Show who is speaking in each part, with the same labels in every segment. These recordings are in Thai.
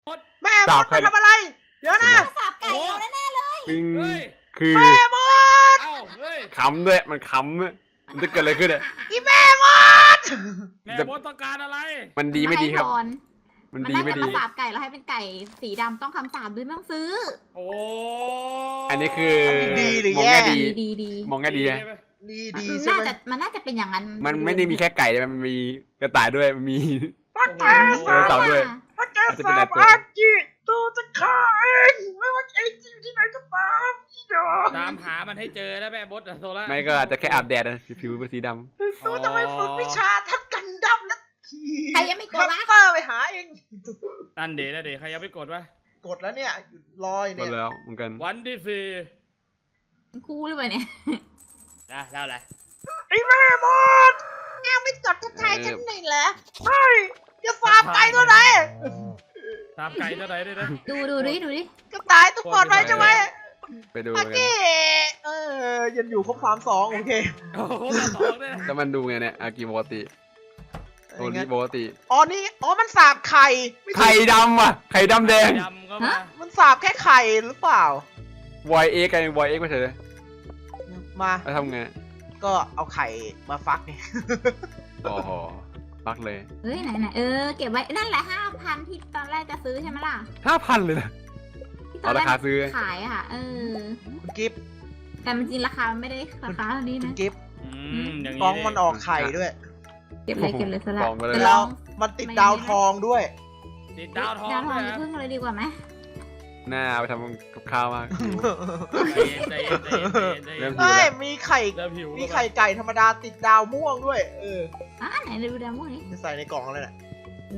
Speaker 1: แม่มดมาทำอะไรเดี๋ยวนะ
Speaker 2: สาบไก่เราแน่ๆเลย
Speaker 3: คือ
Speaker 1: แม่มด
Speaker 4: เอ้าเฮ้ย
Speaker 3: ขำด้วยมันขำด้วยมันจะเกิดอะไรขึ้นอ่ะ
Speaker 1: อีแม่มด
Speaker 4: แม่มดต้องการอะไร
Speaker 3: มันดีไม่ดีครับ
Speaker 2: มัน
Speaker 3: มัน
Speaker 2: น่า
Speaker 3: ดีไม่
Speaker 2: จะ
Speaker 3: ดี
Speaker 2: มาสาบไก่แล้วให้เป็นไก่สีดำต้องคำสาบด้วยไม่ต้องซื้อ
Speaker 4: โอ้
Speaker 3: อันนี้คือ
Speaker 1: ดีหรือ
Speaker 3: มอง
Speaker 1: แย่
Speaker 3: แง่ดี
Speaker 2: ดี
Speaker 3: มองแง่ดีนะ
Speaker 1: ดีดี
Speaker 2: มัน
Speaker 1: ใช่ไหม
Speaker 2: มันน่าจะเป็นอย่างนั้น
Speaker 3: มันไม่ได้มีแค่ไก่แต่มันมีกระต่ายด้วยมันมี
Speaker 1: ป้าแก
Speaker 3: เออเต่าด้วย
Speaker 1: ป้าแกสาบอาจิตัวจะฆ่าเองไม่ว่าเองจะอยู่ที่ไหนก็ตามอีดอก
Speaker 4: ตามหามันให้เจอแล้วแม่มดอะโซล่า
Speaker 3: ไม่ก็อาจจะแค่อาบแดดนะผิวเป็นสีด
Speaker 1: ตัวจะไม่ฝึกวิชาทั้งกันดำและขี่
Speaker 2: ใครยังไม่กดวะ
Speaker 1: คัตเตอร์ไปหาเอง
Speaker 4: นั่นเดนะเดใครยังไม่กดวะ
Speaker 1: กดแล้วเนี่ยรออยู่
Speaker 3: ำก็
Speaker 1: เนี่ย
Speaker 3: แล้วเหมือนกัน
Speaker 4: วันที่สี่
Speaker 2: คู่หรือเปล่าเนี่ย
Speaker 4: นะเล่าอะไร
Speaker 1: ไอ้แม่มดแกไม่จดทักทายฉันหน่อยเหรอใช่จะฟาร์มไก่ตัวไหน
Speaker 4: ตามไก่ตัวไหนด้วยนะ
Speaker 2: ดูดิ
Speaker 1: ก็ตายทุกคนไว้ใช่ไหม
Speaker 3: ไปดู
Speaker 1: โอ
Speaker 3: กั
Speaker 1: เคน ยังอยู่ครบ3-2โอเค
Speaker 4: โอ้โหสองด้วยนะ
Speaker 3: แล้วมันดูไงเนี่ยอากิปกติโอริปกติ
Speaker 1: อ๋อนี่อ๋อมันสาบไข่ไม่ใช่
Speaker 3: ไข่ดำอ่ะไข่ดำแดง
Speaker 4: ยำก็มา
Speaker 1: มันสาบแค่ไข่หรือเปล่า
Speaker 3: วอยเอ็กกันวอยเอ็กไม่ใช่เลย
Speaker 1: มา
Speaker 3: แล้วทำไง
Speaker 1: ก็เอาไข่มาฟักไง
Speaker 3: โอ้โหปักเลย
Speaker 2: เฮ้ยไหนเก็บไว้นั่นแหละ5,000ที่ตอนแรกจะซื้อใช่ไหมล่ะ
Speaker 3: 5,000เลยนะ
Speaker 2: ที่ตอนแร
Speaker 3: เอาราคาซื้อ
Speaker 2: ขายอะค่ะ
Speaker 1: คุณกิฟต์
Speaker 2: แต่มันจริงราคามันไม่ได้ราคาเท่านี้
Speaker 1: คุณ
Speaker 2: นะ
Speaker 1: กิฟต์
Speaker 4: อย่าง
Speaker 1: ฟองมันออกไข่ด้วย
Speaker 2: เก็บเลยสลั
Speaker 3: ฟ
Speaker 2: บ
Speaker 3: องไปเลย
Speaker 1: แล้วมันติดดาวทองด้วย
Speaker 4: ติดดาวทอง
Speaker 2: ดาวท
Speaker 4: ด้
Speaker 2: อ
Speaker 4: ว
Speaker 2: ง
Speaker 4: ย
Speaker 2: จะ
Speaker 4: นะ
Speaker 2: พึ่งเลยดีกว่าไหม
Speaker 3: หน้าไปทำกับข้าวมาก
Speaker 4: ใจเย็น
Speaker 3: เริ่ม
Speaker 1: เฮ้ยมีไข่
Speaker 4: เริ่มหิว
Speaker 1: มีไข่ไก่ธรรมดาติดดาวม่วงด้วย
Speaker 2: ไหนดูดาวม่วงนี้
Speaker 1: จะใส่ในกล่องอะไรน่ะ
Speaker 2: โอ้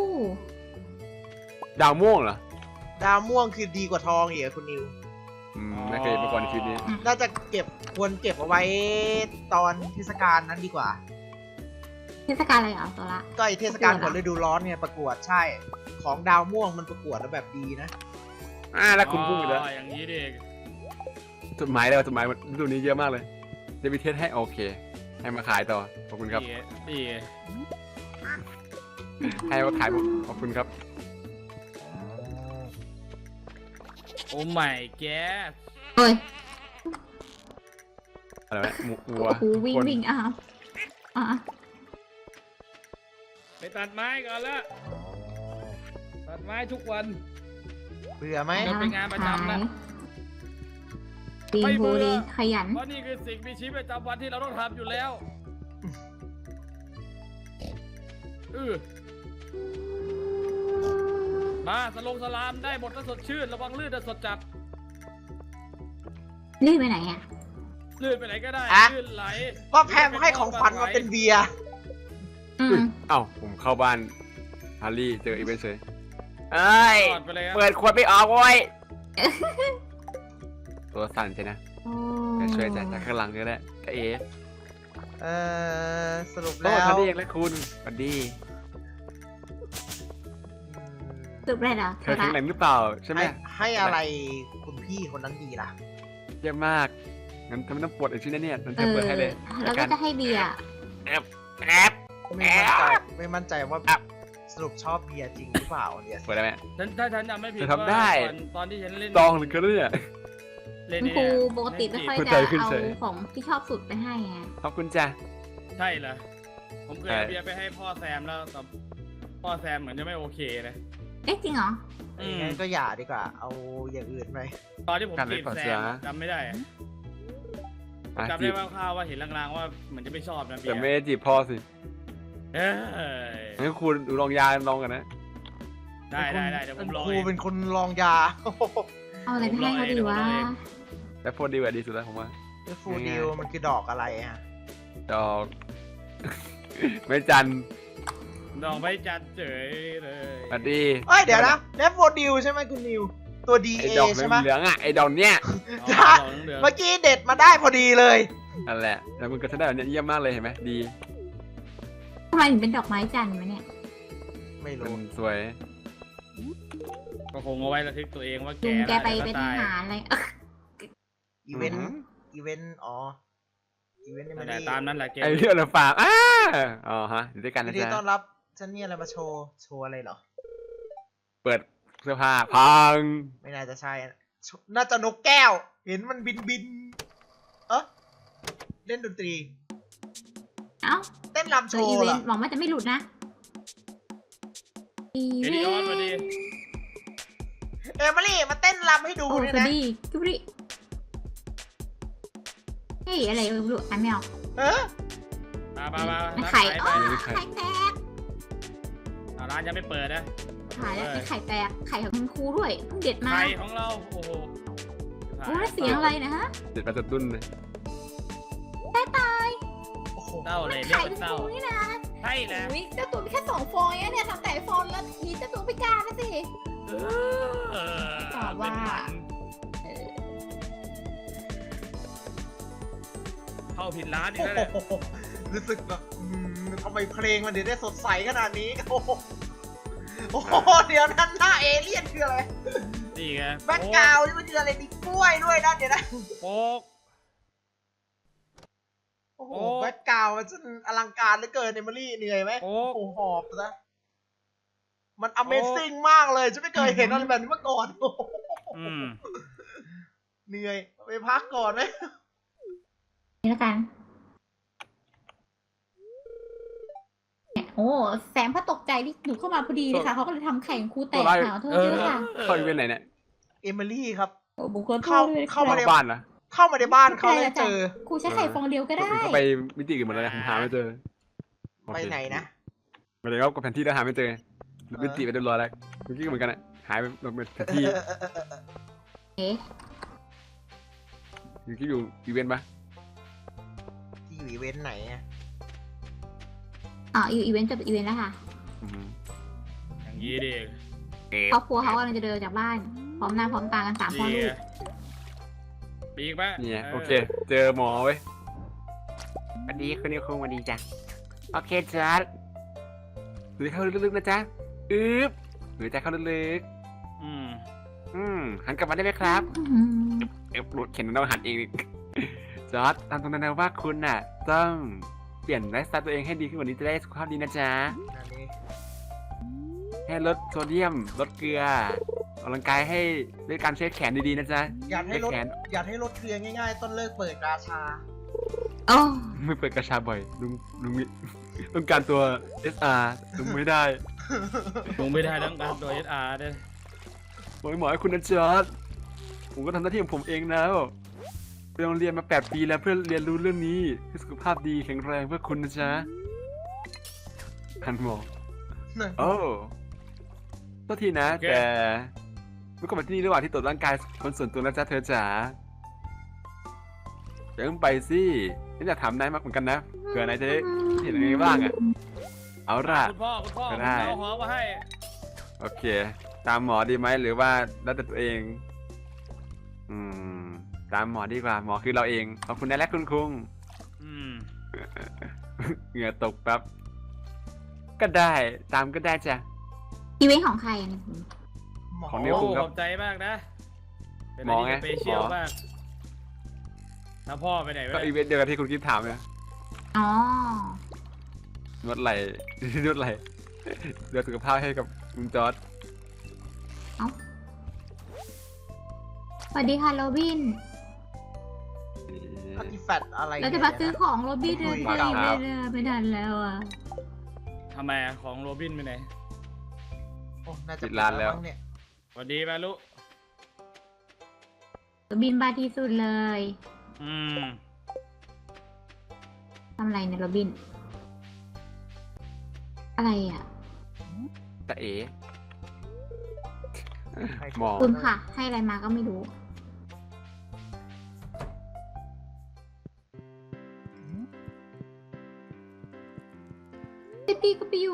Speaker 3: ดาวม่วงเหรอ
Speaker 1: ดาวม่วงคือดีกว่าทองอีกอะคุณนิว
Speaker 3: ไม่เคยมาก่อนในชีวิตนี้
Speaker 1: น่าจะควรเก็บเอาไว้ตอนเทศกาลนั้นดีกว่า
Speaker 2: เทศกาลอะไรเหรอตัวละ
Speaker 1: ก็ไอเทศกาลก่อนฤดูร้อนเนี่ยประกวดใช่ ของดาวม่วงมันประกวดแล้วแบบดีนะ
Speaker 3: แล้วคุณพุ่งอีกแล้ว
Speaker 4: อย่างนี้ดิ
Speaker 3: จดหมายเลยจดหมายฤดูนี้เยอะมากเลยจะมีเทสให้โอเค ให้มาขายต่อขอบคุณครับ
Speaker 4: ดี
Speaker 3: ให้มาขายขอบคุณครับ
Speaker 4: โอ้ไม่แก
Speaker 2: เฮ้ย
Speaker 3: อะไรวะวัว
Speaker 2: โอ้โหวิ่งอ่ะ
Speaker 4: ไปตัดไม้ก่อนละตัดไม้ทุกวัน
Speaker 1: เบื่อไหม
Speaker 4: มันเป็นงานประจำนะ
Speaker 2: ปีน
Speaker 4: ไม่
Speaker 2: โบ
Speaker 4: เบื่อ
Speaker 2: ดีขยัน
Speaker 4: เพราะนี่คือสิ่งมีชีวิตประจำวันที่เราต้องทำอยู่แล้วมาสลามได้หมดถ้าสดชื่นระวังลื่นถ้าสดจัด
Speaker 2: รีบไปไหนอ่ะ
Speaker 4: ลื่นไปไหนก็ได้
Speaker 1: อะ
Speaker 4: ลื่นไหล
Speaker 1: ก็แพมให้ของขวัญมาเป็นเบียร์
Speaker 3: เอ้าผมเข้าบ้านฮาร์รี่เจออีเวนต์เฉยเอ้ย
Speaker 4: ตอดไปเลยครับ
Speaker 3: เปิดขวดไม่ออกเว้ยตัวสั่นใช่นะ
Speaker 2: โอ้
Speaker 3: ช่วยจากข้างหลังก็ได้ก็เอ๋
Speaker 1: สรุป
Speaker 3: โอ้
Speaker 1: แล้ว
Speaker 3: ฮาร์รี่และคุณสวัสดี
Speaker 2: สุดเลยเหรอ
Speaker 3: เธอแข็งแรงหรือเปล่าใช่ไหม
Speaker 1: ให้อะไรคุณพี่คนนั้นดีล่ะ
Speaker 3: เยี่ยมมากงั้นทำไมต้องปวดอีกชิ้นนะเนี่ยงั้นเธอเปิดให้เลย
Speaker 2: แล้วก็จะให้เบียร์
Speaker 3: แอบ
Speaker 1: ไม่มั่นใจว่าสรุปชอบเบียร์จริงหรือเปล่าเนี่ย
Speaker 3: เปิดได้ไหม
Speaker 4: ถ้าฉันจำไม่ผิด
Speaker 3: เธอทำได้
Speaker 4: ตอนที่ฉันเล่น
Speaker 3: ตองหรือเกลือ
Speaker 4: เล่น
Speaker 2: คุณ
Speaker 4: นี่
Speaker 2: ครู
Speaker 4: เนี่ย
Speaker 2: ปกติไม่ค่อย
Speaker 3: เข้า
Speaker 2: จะ
Speaker 3: ใจขึ้น
Speaker 2: เอา
Speaker 3: เฉย
Speaker 2: ของที่ชอบสุดไปให้ไง
Speaker 3: ขอบคุณจ้ะ
Speaker 4: ใช่เหรอผมเคย
Speaker 3: ใช่
Speaker 4: เอาเบียร์ไปให้พ่อแซมแล้วแต่พ่อแซมเหมือนจะไม่โอเคนะ
Speaker 2: เอ๊ะจริงเหรอ
Speaker 1: งั้นก็อย่าดีกว่า เอาอย่างอื่นไป
Speaker 4: ตอนที่ผม
Speaker 3: การเล่
Speaker 4: จี
Speaker 3: น
Speaker 4: บ
Speaker 3: ก่อน
Speaker 4: แซ
Speaker 3: เสีย
Speaker 4: มจำไม่ได้อะ
Speaker 3: อ่ะ
Speaker 4: จำ
Speaker 3: จี
Speaker 4: ได้
Speaker 3: บ
Speaker 4: คร่าวๆว่าเห็นลางๆว่าเหมือนจะไม่ชอบนะเบีย
Speaker 3: แต่
Speaker 4: ร์
Speaker 3: ไม่ได้จีบพ่อสิ
Speaker 4: เอ้ย
Speaker 3: งั้นคุณดูลองยาลองกันนะ
Speaker 4: ได้เดี๋ยวผมลอง
Speaker 1: ครู
Speaker 4: เอง
Speaker 1: เป็นคนลองยา
Speaker 2: เอาอะไรไปให้เขาดีวะ
Speaker 3: แต่พูดดีกว่าดีสุดแล้วผมว่า
Speaker 1: ฟูดิวมันคือดอกอะไรฮะ
Speaker 3: ดอก ไม่จัน
Speaker 4: ดอกไม่จัดเฉยเลย
Speaker 3: สวัสดี
Speaker 1: เอ้ยเดี๋ยวนะเลฟโฟดิวใช่ไหมคุณนิว ตัว
Speaker 3: ไอ้
Speaker 1: DA
Speaker 3: ดอก
Speaker 1: ใช่ไหม
Speaker 3: เหลืองๆอ่ะไอ้ดอกเนี้ย
Speaker 4: อ๋อดอกเหลือง
Speaker 1: เมื่อกี้เด็ดมาได้พอดีเลย
Speaker 3: นั่นแหละแล้วมึงก็ได้แบบเนี้ยเยี่ยมมากเลยเห็นไหมดี
Speaker 2: ทำไมถึงเป็นดอกไม้จันทร์วะเนี่ย
Speaker 1: ไม่
Speaker 3: มัน
Speaker 1: รู้
Speaker 3: สวย
Speaker 4: ๆก็คงเอาไว้ระทึกตัวเองว่า
Speaker 2: ลุงแกไป
Speaker 4: ล้ว
Speaker 2: เป็นท
Speaker 4: ตาย
Speaker 2: หารอะไร
Speaker 1: อีเวนต์อีเวนต์อ๋ออีเวนต์นี่
Speaker 4: นั่
Speaker 1: มัน
Speaker 4: นแหละ
Speaker 1: นี่
Speaker 4: ตามนั้นแหละเกม
Speaker 3: ไอ้เรื่องเราฝากอ๋อฮะอยู่ด้วยกัน
Speaker 1: ยิ
Speaker 3: นะ
Speaker 1: นดี
Speaker 3: จ๊ะ
Speaker 1: ต้อนรับฉันมีอะไรมาโชว์อะไรเหรอ
Speaker 3: เปิดเสื้อผ้าพัง
Speaker 1: ไม่น่าจะใช่อะน่าจะนกแก้ว เห็นมันบินเล่นดนตรี
Speaker 2: เอ้า
Speaker 1: เต้นรำโช
Speaker 2: อี
Speaker 1: ว์
Speaker 2: เว
Speaker 1: เหร
Speaker 2: น
Speaker 1: อ
Speaker 2: ต์หวังว่าจะไม่หลุดนะอี
Speaker 4: เอ
Speaker 2: เว
Speaker 4: ดิออน
Speaker 2: น
Speaker 4: มา
Speaker 2: ต์
Speaker 4: ดิ
Speaker 1: เอมิลี่มาเต้นรำให้ดู
Speaker 2: โอ้
Speaker 1: เนี่ย
Speaker 2: สวั
Speaker 1: นะ
Speaker 2: สดีกุบริเฮ้ยอะไรไม่รู้อ่านไม่ออก
Speaker 1: เออ
Speaker 4: มา
Speaker 2: ไข่
Speaker 4: ไป
Speaker 2: อ๋อไข่แตก
Speaker 4: ร้านยังไม่เปิดนะ
Speaker 2: ขายแล้วไอ้ไข่แตกไข่ของคุณครูด้วยเพิ่งเด็ดมา
Speaker 4: ไข่ของเราโอ้โห
Speaker 2: โอ้แล้วเสียงอะไรนะฮะ
Speaker 3: เด็ดมาจัดดุนเลย
Speaker 1: โอ้โห
Speaker 4: เต้าเลยเรียก
Speaker 2: ไข่
Speaker 4: ว่า
Speaker 2: คุณ
Speaker 4: เต้า
Speaker 2: ครูนี่นะ
Speaker 4: ใช่นะ
Speaker 2: อุ๊ยเจ้าตัวมีแค่2 ฟองเองเนี่ยทำแต่ฟองแล้วมีเจ้าตัวพิการนะสิ ตอบว่า
Speaker 4: เข้าผิดร้านอีก
Speaker 1: โอ้
Speaker 4: แล้วเนี่ย
Speaker 1: โหรู้สึกแบบทำไมเพลงมันถึงได้สดใสขนาดนี้ โอ้โหโอ้โหเดี๋ยวนั้นหน้าเอเลี่ยนคืออะไร
Speaker 4: นี่ไง
Speaker 1: แบ็คกราวด์นี่มันคืออะไรมีกล้วยด้วยนะเดี๋ยวนะ
Speaker 4: โป๊ก
Speaker 1: โอ้โห
Speaker 4: โอ้
Speaker 1: แบ็คกราวด์มันจนอลังการเหลือเกินเอมิลี่เหนื่อยไหม
Speaker 4: โอ้
Speaker 1: โอ้โหหอบซะมัน Amazing มากเลยฉันไม่เคยเห็นอะไรแบบนี้มาก่อนโอ้โห
Speaker 4: อืม
Speaker 1: เหนื่อยไปพักก่อนไหม
Speaker 2: นี่แล้วกันโอ้แสงพระตกใจที่หนูเข้ามาพอดีเลยค่ะเขาก็เลยทำไข่ของครูแตกค่ะขอโทษด้วยค่ะ
Speaker 3: เข้าอีเวนต์ไหนเนี่ย
Speaker 1: เอมิลี่ครับ
Speaker 2: โอ้บุคคล
Speaker 1: เข้า
Speaker 2: ด้วย
Speaker 1: เข้ามา
Speaker 3: บ้านเหรอ
Speaker 1: เข้ามาในบ้านเขาเลยเจอ
Speaker 2: ครูใช้ไข่ฟองเดียวก็ได้
Speaker 3: เขาไปมิติอื่นหมดเลยนะผมหาไม่เจอ
Speaker 1: ไปไหนนะ
Speaker 3: ไม่ได้ก็แผนที่แล้วหาไม่เจอมิติไปเรียบร้อยแล้วเมื่อกี้ก็เหมือนกันอ่ะหายไปลงเป็นแผนที่
Speaker 2: เอ๊ะ
Speaker 3: เมื่อกี้อยู่อีเวนต์ปะ
Speaker 1: ที่อยู่อีเวนต์ไหนอะ
Speaker 2: อ๋ออยู่อีเวนต์จบอีเวนต์แล้วค่ะ
Speaker 3: อืม
Speaker 4: อย่างนี้ดิ
Speaker 2: ครอบครัวเขากำลังจะเดินจากบ้าน พร้อมหน้าพร้อมตากัน3 พ่อลูก
Speaker 4: ปีกปะ
Speaker 3: เนี่ยโอเค เจอหมอเว้ยสวัสดีคุณนิวคุงสวัสดีจ้ะโอเคจ้าหรือเข้าลึกๆนะจ๊ะอึ๊บหรือจะเข้าลึก
Speaker 4: อืม
Speaker 3: ๆหันกลับมาได้ไหมครับหลุดเข็นเราหันเองอีกจอร์ดตามตรงนั้นนะว่าคุณน่ะ ต้องเปลี่ยนไลฟ์สไตล์ตัวเองให้ดีขึ้นกว่านี้จะได้สุขภาพดีนะจ๊ะ
Speaker 1: อันนี้
Speaker 3: ให้ลดโซเดียมลดเกลือออกกำลังกายให้ด้วยการเช็ดแขนดีๆนะจ๊ะ
Speaker 1: อยากให้ลด
Speaker 3: แขน
Speaker 1: อยากให้ลดเกลือง่ายๆ ต้นเลิกเปิดราชา
Speaker 2: โอ้
Speaker 3: ไม่เปิดกระชาบ่อยลุงมีต้องการตัว SR ลุงไม่ได้
Speaker 4: ลงไม่ได้ต้องการตัวเอสอาร์ด้วย
Speaker 3: บอกให้หมอให้คุณนะจอร์ดผมก็ทำหน้าที่ของผมเองแล้วไปโรงเรียนมา8 ปีแล้วเพื่อเรียนรู้เรื่องนี้ให้สุขภาพดีแข็งแรงเพื่อคุณนะจ๊ะคันหมอโอ้ตัวทีนะ แต่เมื่อก่อนมาที่นี่ระหว่างที่ตรวจร่างกายคนส่วนตัวนะจ๊ะเธอจ๋าอย่าเพิ่งไปสิฉันอยากถามนายมากเหมือนกันนะเผื่อนายจะได้เห็นอะไรบ้างอ่ะเอาล่ะ
Speaker 4: คุณพ่อ
Speaker 3: ก็ได้
Speaker 4: เอาหอมมาให้
Speaker 3: โอเค ตามหมอดีไหมหรือว่าแล้วแต่ตัวเอง ตามหมอดีกว่าหมอคือเราเองขอบคุณนะและคุณคุง
Speaker 4: อืม
Speaker 3: เหงื่อตกแป๊บก็ได้ตามก็ได้จ้ะ
Speaker 2: อีเวนต์ของใครอันนี้
Speaker 1: หมอ
Speaker 3: ของ
Speaker 4: โอ้
Speaker 3: นิ้วคุงครับ
Speaker 4: ขอบใจมากนะเป็น
Speaker 3: หมอไง
Speaker 4: อะไรที่สเปเชียล
Speaker 3: หมอ
Speaker 4: มากแล้วพ่อไปไหน
Speaker 3: ก็
Speaker 4: วะ
Speaker 3: อีเวนต์เดียวกันที่คุณคิดถามเนี่ย
Speaker 2: อ๋อน
Speaker 3: วดไหล่ นวดไหล่เดี๋ยวสุขภาพให้กับคุณจอร์ด
Speaker 2: สวัสดีค่ะโรบิน
Speaker 1: อาร์ติแฟกต์อะไร
Speaker 2: เราจะมาซื้อของโรบินเลยไม่ทันแล้วอ่ะ
Speaker 4: ทำไมอะของโรบินไปไหน
Speaker 1: โอ้น่าจะปิดแล้วมั้งเนี่ย
Speaker 4: สวัสดีมาลุ
Speaker 2: โรบินบ้าที่สุดเลย
Speaker 4: อืม
Speaker 2: ทำอะไรเนี่ยโรบิน อะไรอ่ะ
Speaker 3: ตะเอ๋
Speaker 1: ให้
Speaker 3: หมอ
Speaker 2: คุณค่ะ ให้อะไรมาก็ไม่รู้พี่ก็ไปอยู่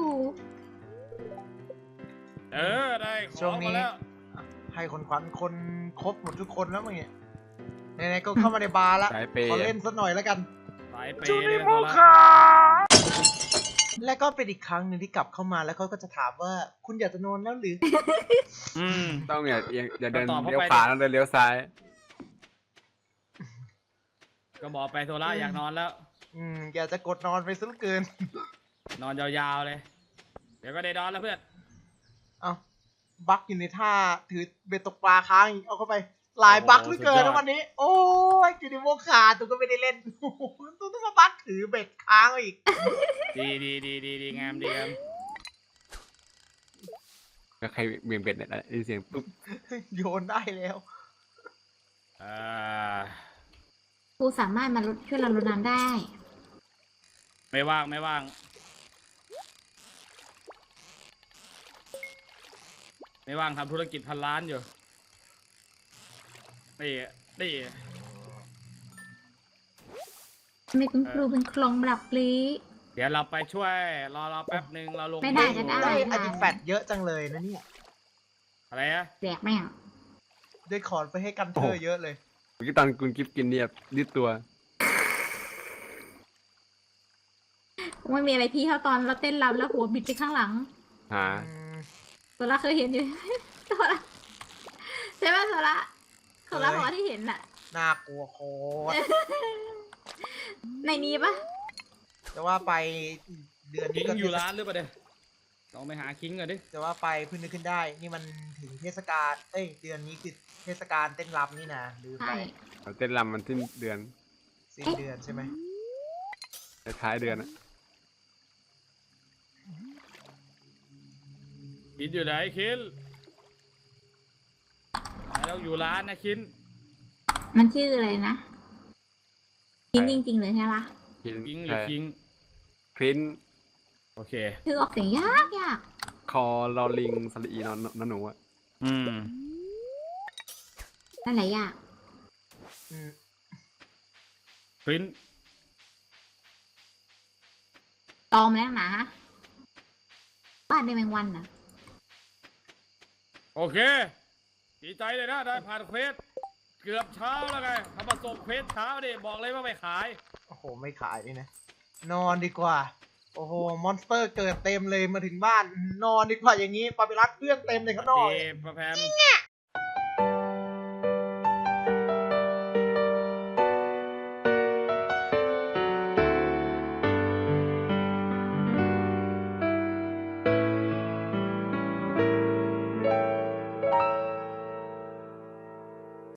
Speaker 4: ได้ข
Speaker 1: ช่ว
Speaker 4: อง ง
Speaker 1: นี้
Speaker 4: มาแล้ว
Speaker 1: ให้คนขวัญคนครบหมดทุกคนแล้วมั้งเนี่ยไหนๆก็เข้ามาในบาร์ละ
Speaker 3: สายเปย์
Speaker 1: ขอเล่นสักหน่อยแล้วกัน
Speaker 4: สายเปย์เลยนะโซล่า
Speaker 1: และก็เป็นอีกครั้งหนึ่งที่กลับเข้ามาแล้วเขาก็จะถามว่าคุณอยากจะนอนแล้วหรือ
Speaker 4: อืม
Speaker 3: ต้องอย่าเดิน
Speaker 4: ก็ตอบเข้าไป
Speaker 3: เลี้ยวขวาต้องเดินเลี้ยวซ้าย
Speaker 4: ก็บอกไปโซล่าอยากนอนแล้ว
Speaker 1: อยากจะกดนอนไปซะเหลือเกิน
Speaker 4: นอนยาวๆเลย เดี๋ยวก็ได้นอนแล้วเพื่อน
Speaker 1: เอ้าบั๊กอยู่ในท่าถือเบ็ดตกปลาค้างอีกเอาเข้าไปหลายบั๊กเหลือเกินนะวันนี้ โอ้ยกินโมขาดตัวก็ไม่ได้เล่นตัวต้องมาบั๊กถือเบ็ดค้างอีก
Speaker 4: ดีงามดีครับ
Speaker 3: แล้วใครเบี่ยงเบ็ดเนี่ยได้เสียงปุ๊บ
Speaker 1: โยนได้แล้ว
Speaker 2: ครูสามารถมาช่วยเราลดน้ำได้
Speaker 4: ไม่ว่างไม่ว่างทำธุรกิจพันล้านอยู่นี่
Speaker 2: ไม่คุณครูเป็นคลองบลับลี
Speaker 4: เดี๋ยวเราไปช่วยรอแป๊บหนึ่งเราลง
Speaker 2: ไม่ได้จะได้
Speaker 1: ได้อาร์ติแฟกต์เยอะจังเลยนะเนี่ย
Speaker 4: อะไรอะ
Speaker 2: แดกแม่ง
Speaker 1: ได้คอนไปให้กันเธอเยอะเลย
Speaker 3: เมื่อกี้ตอนคุณกิฟกินเนี่ยยืดตัว
Speaker 2: ไม่มีอะไรพี่เท่าตอนเราเต้นรำแล้วหัวบิดไปข้างหลัง
Speaker 3: หา
Speaker 2: โซล่าเคยเห็นอยู่ โซล่าใช่ไหมโซล่าบอกว่าที่เห็นน่ะ
Speaker 1: น่ากลัวโคตร
Speaker 2: ในนี้ปะ
Speaker 1: จะว่าไปเดือน
Speaker 4: คิ
Speaker 1: นี้
Speaker 4: ง
Speaker 1: ก็
Speaker 4: อยู่ร้านหรือเปล่าเดี๋ยวลองไปหาคิงก่อนดิ
Speaker 1: จะว่าไปเพิ่งนึกขึ้นได้ นี่มันถึงเทศกาลเดือนนี้คือเทศกาลเต้นรำนี่นะลืมไป
Speaker 2: ใช่
Speaker 3: เราเต้นรำมันสิ้นเดือน
Speaker 1: สิ้นเดือนใช่ไหม
Speaker 3: ท้ายเดือนอะ
Speaker 4: คินอยู่ไหนคินเราอยู่ร้านนะคิน
Speaker 2: มันชื่ออะไรนะจริงจริงๆเลยใช่ปะ
Speaker 3: คิง
Speaker 4: คิงหรือคิง
Speaker 3: พริน
Speaker 4: โอเค
Speaker 2: คือออกเสียงยาก
Speaker 3: คอลอลิงสลีนอนหนูอะ
Speaker 2: นั่นแหละยาก
Speaker 1: อืม
Speaker 4: พริน
Speaker 2: ตอมแล้วนะบ้านในแมงวันนะ
Speaker 4: โอเคดีใจเลยนะได้ผ่านเควสเกือบเช้าแล้วไงทำมาส่งเควสเช้าดิบอกเลยว่าไม่ขาย
Speaker 1: โอ้โหไม่ขายนี่นะนอนดีกว่า โอ้โหมอนสเตอร์เกิดเต็มเลยมาถึงบ้าน นอนดีกว่าอย่างนี้ปาปิรัสเพื่อนเต็มเลยข้างนอก
Speaker 4: ดีประแพม
Speaker 1: เนี่ย